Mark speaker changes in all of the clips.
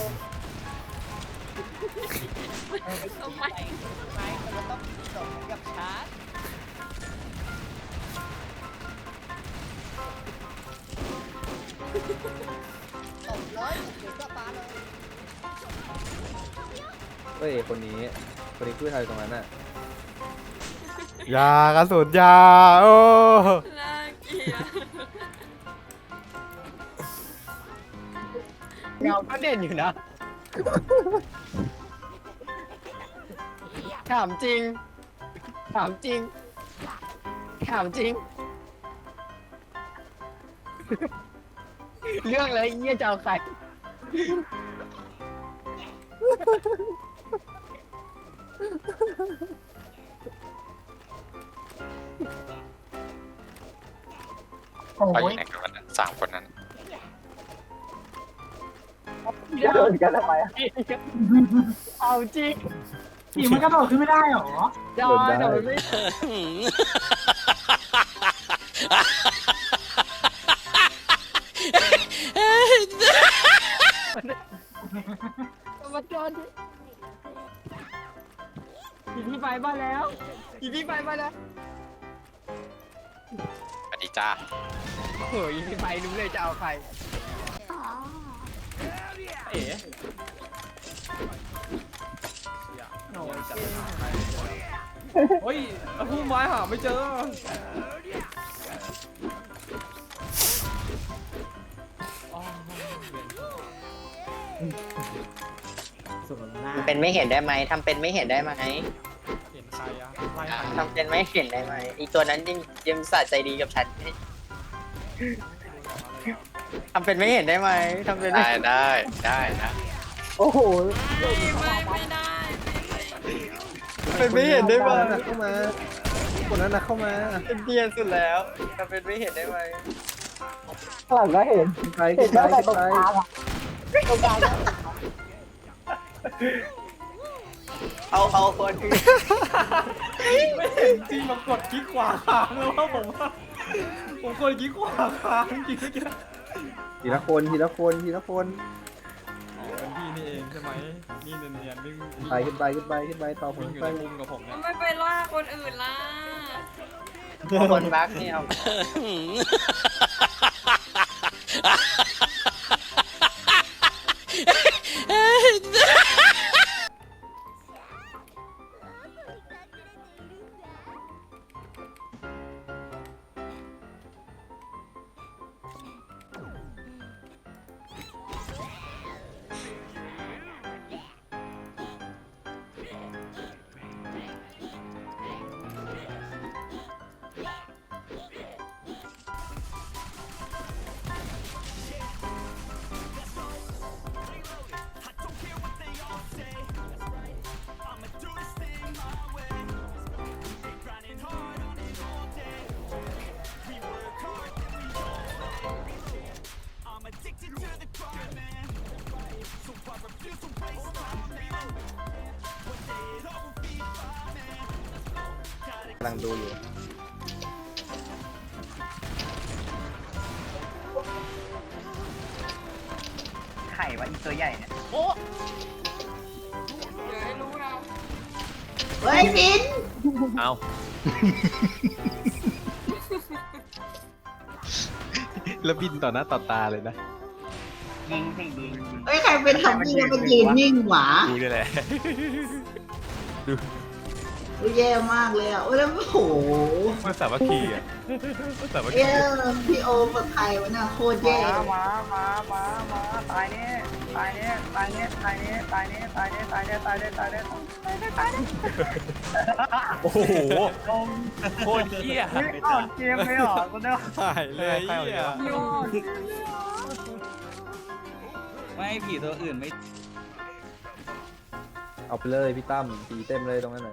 Speaker 1: ทำไม
Speaker 2: ไม่มันก็ต้องจบกับชาร์จตบเลยเดี๋ยวก็ปาเลย
Speaker 3: เฮ้ยคนนี้คือใครตรงนั้นน่ะ
Speaker 4: ยากระสุนยาโอ้
Speaker 1: น่าเกลียด
Speaker 2: เงาก็เด่นอยู่นะถามจริงถามจริงถามจริงเรื่องเลยเยี่ยจะเอาใครโอ้
Speaker 5: ไปอยู่
Speaker 2: ย
Speaker 5: ไหนกันวะเนี่ยสามคนนั้น
Speaker 2: เดินกันทำไมเอาจริง
Speaker 6: ขี่มันกระโดดขึ้นไม่ได้หรอ
Speaker 2: จอยแต่มันไม่มาจอนอีพี่ไปบ้านแล้วอีพี่ไปบ้านแล้ว
Speaker 5: สวัสดีจ้า
Speaker 2: เฮ้ยอีพี่ไปรู้เลยจะเอาใครเอ๋
Speaker 4: เฮ้ยพุ่มไม้หาไม่เจอ
Speaker 2: เป็นไม่เห็นได้ไหมทำเป็นไม่เห็นได้ไหม
Speaker 4: เห็นใครอะไล่ใคร
Speaker 2: ทำเป็นไม่เห็นได้ไหมอีตัวนั้นยังสะใจดีกับฉันทำเป็นไม่เห็นได้ไหมทำเป็น
Speaker 5: ได้นะ
Speaker 2: โอ้โห
Speaker 1: ไม่ได้
Speaker 2: เป็นไม่เห็นได้ไหม
Speaker 3: เข้ามาคนนั้นน่ะเข้ามา
Speaker 2: เป็นเดียนสุดแล้วทำเป็นไม่เห็นได้ไหม
Speaker 3: ข้างหลังก็เห็นไปขึ้นไปขึ้นไป
Speaker 2: เอาคนอื่น
Speaker 4: ไม่เห็นจริงมากดคลิกขวาค้างแล้วว่าผมกดคลิกขวาค้างจริงๆเมื่อกี้
Speaker 3: ทีละคนทีละคนทีละคน
Speaker 4: อ๋อเป็นพี่นี่เองใช่ไหมนี่เนียนๆวิ่ง
Speaker 3: ขึ้นไปต่อผ
Speaker 4: วิ่
Speaker 3: ม
Speaker 4: งอยู่
Speaker 3: ไป
Speaker 4: ในมุมกับผมเนี่ย
Speaker 1: ไม่ไปล่าคนอื่นล่ะ
Speaker 2: คนบักเนี่ยเอา
Speaker 3: กำลังดูอยู่
Speaker 2: ไข่วะอีตัวใหญ่เนี่ย
Speaker 1: เดี๋ยวให้รู้นะ
Speaker 6: เฮ้ยบิน
Speaker 5: เอา แล้วบินต่อหน้าต่อตาเลยนะ
Speaker 2: ยิงสิยิง
Speaker 6: เฮ้ยใครเป็นทำนี่แล้วมันยืนนิ่งหวา
Speaker 5: ดูนี่แหละ
Speaker 6: โอ้ยแย่มากเลยอ่ะโอ้ยแล้วโอ้โห
Speaker 5: มันสามัคคีอ่ะมันสามัคคี
Speaker 6: เอ้ยพี่โอกับใครวะน่ะโคตรแย่
Speaker 2: มาตายเนี่ยตายเนี่ยตายเนี่ยตายเนี่ยตายเนี่ยตายเนี่ยตายเนี่ยตายเนี่ยตายเนี่ยตายเนี่ยตายเนี่ย
Speaker 5: โอ้โหโคตรเหี้ย
Speaker 2: ไม่ออกเกมไม่ออกก็ได้
Speaker 4: หายเลยเหี้ย
Speaker 2: ยอดไม่ผีตัวอื่นไม่
Speaker 3: เอาไปเลยพี่ตั้มตีเต็มเลยตรงนั้นน่ะ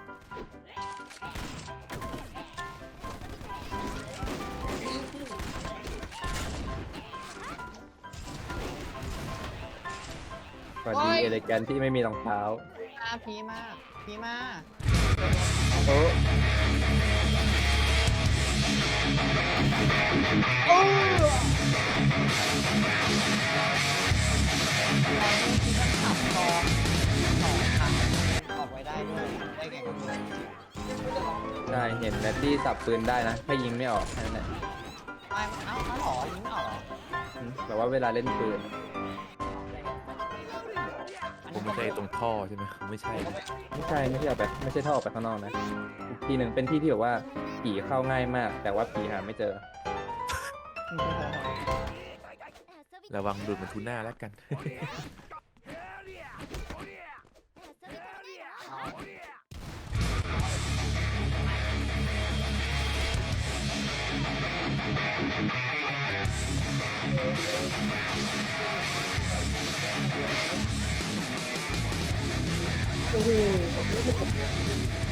Speaker 3: สวัสดีเอเลแกนที่ไม่มีรองเท้า
Speaker 2: ผีมาผีมา
Speaker 3: โอ้
Speaker 2: ผี
Speaker 3: ได้ด้วยได้ไงก็ไม่รู้
Speaker 7: ใช่เห็นแรดดี้สับปืนได้นะแค่ยิงไม่ออกแค่นั้นแหละ
Speaker 3: ไม่เอาหรอยิงไม่ออกเหรอ
Speaker 7: แต่ว่าเวลาเล่นปืน
Speaker 5: ผมไม่ใช่ตรงท่อใช่ไหมไม่ใช่
Speaker 7: ไม่ใช่ออกไปไม่ใช่ท่อออกไปข้างนอกนะอีกที่หนึ่งเป็นที่ที่แบบว่าผีเข้าง่ายมาก แต่ว่าผีหาไม่เจอ
Speaker 5: ระวังดูดมันทูน่าแล้วกัน
Speaker 3: โอ้โห